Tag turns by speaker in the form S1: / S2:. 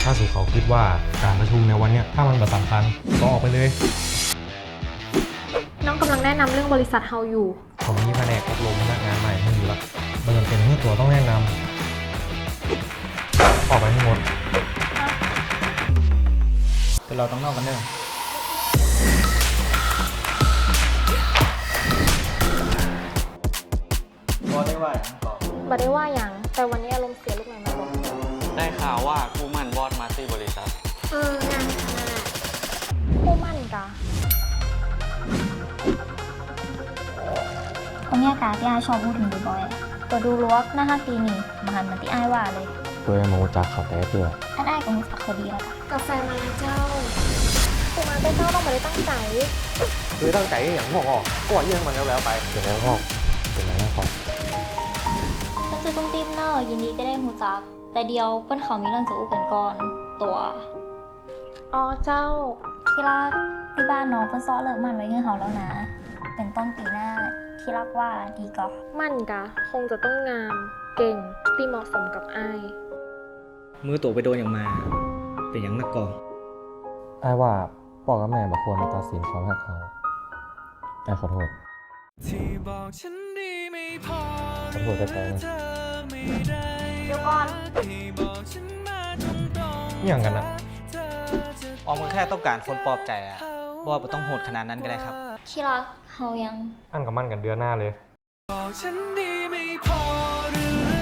S1: าสู่เขาคิดว่าการประชุมในวันเนี้ยถ้ามันแบบสำคัญก็ออกไปเลย
S2: น้องกำลังแนะนำเรื่องบริษัทเฮาอยู่
S1: ผมมีแผนกอบรมพนักงานใหม่ให้อยู่ละมันจำเป็นที่ตัวต้องแนะนำออกไปให้หมดแต่เราต้องนอกกันเด้อ
S3: บ่ได้ว่าอย่างก่อน
S2: บ่ได้ว่าอย่างแต่วันนี้อารมณ์เสียลูกไหนมาบอก
S4: ได้ข่าวว่าคู่หมั่นบอสมาที่บริษัท
S2: งานขนาดคู่มั่นกะ
S5: คนเนี้ยกาที่ไอชอบพูดถึงบ่อยๆตัวดูลวกหน้าฮักดีนี่มาหันมาที่ไอว่าเลย
S1: ตัวยังมูจากเขาแต่เพื่อ
S5: อันไอก็รู้จักเขาดีแล้วกัน
S2: กาแฟมาแล้วเจ้ากูมาเป็นเจ้าต้องมาได้ตั้งใจ
S1: คือตั้งใจอย่างงอกออกก็ว่าเรื่องมันแล้วไปเสร็จแล้วงอกเสร็จแล้วงอก
S5: ก็คือตุ้มติ้มเนอร์ยินดีจะได้หูจัก แต่เดียวเปิ้นเขามีเรื่องจะอู้กันก่อนตัว
S2: อ๋อเจ้า
S5: ที่รักที่บ้านน้องเปิ้นซ้อเลิกมันไว้ให้เขาแล้วนะ เป็นต้นปีหน้าที่รักว่าดีก็
S2: มั่นกะคงจะต้องงาม เก่งที่เหมาะสมกับไอ้าย
S3: มือตัวไปโดนอย่างมา เป็นอย่างนักก่อน
S1: ไอ้ว่าพ่อกับแม่บอกควรมาตัดสินความรักเขาไอ้ขอโทษขอโทษใจๆนะ
S5: เดี๋ยวก่อน
S1: อย่างกันนะ
S3: ออมก็แค่ต้องการคนปลอบใจอะว่าไม่ต้องโหดขนาดนั้นก็ได้ครับ
S5: ที่รักเฮายัง
S1: อันกับมั่นกันเดือนหน้าเลย
S6: บอกฉันดีไม่พอหรือ